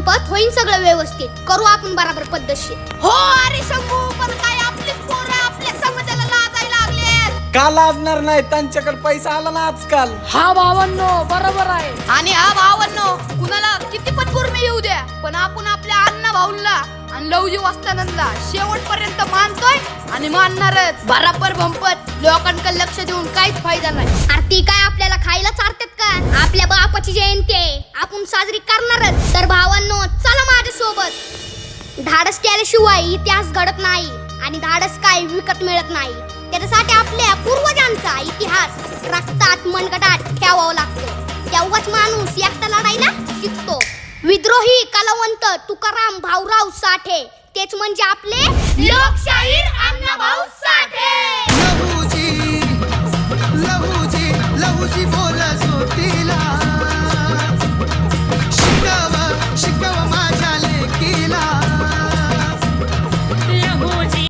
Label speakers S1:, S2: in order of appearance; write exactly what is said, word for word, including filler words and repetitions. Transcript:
S1: संपत होईन सगळं व्यवस्थित. करू आपण बराबर पद्धतशीर. हो अरे शंभू, पण काय आपलीच पोरं आपल्या समाजाला लाजायला लागले.
S2: का लाजणार नाही? त्यांच्याकडे पैसा आला ना आजकाल.
S3: हा भावांनो बरोबर आहे.
S1: आणि हा भावांनो, कुणाला किती पण कुर्मी येऊ द्या, पण आपण आपल्या अण्णा भाऊला आणि लवजी वस्तानांना शेवटपर्यंत मानतोय आणि मानणारच. बराबर भंपत लोकांकडे लक्ष देऊन काहीच फायदा नाही. अरे ती काय आपल्याला खायला चारतात का? आपल्या बापाची जयंती आहे, आपण साजरी करणारच. तर भावांनो चला माझ्या सोबत. धाडस केल्याशिवाय इतिहास घडत नाही आणि धाडस काय विकत मिळत नाही. त्याच्यासाठी आपल्या पूर्वजांचा इतिहास रक्तात मनगटात ठेवावा लागतो. तेव्हाच माणूस एकटा लढायला शिकतो. विद्रोही कलावंत तुकाराम भाऊराव साठे, तेच म्हणजे आपले लोकशाहीर अण्णाभाऊ साठे.
S4: लहूजी लहूजी लहूजी बोल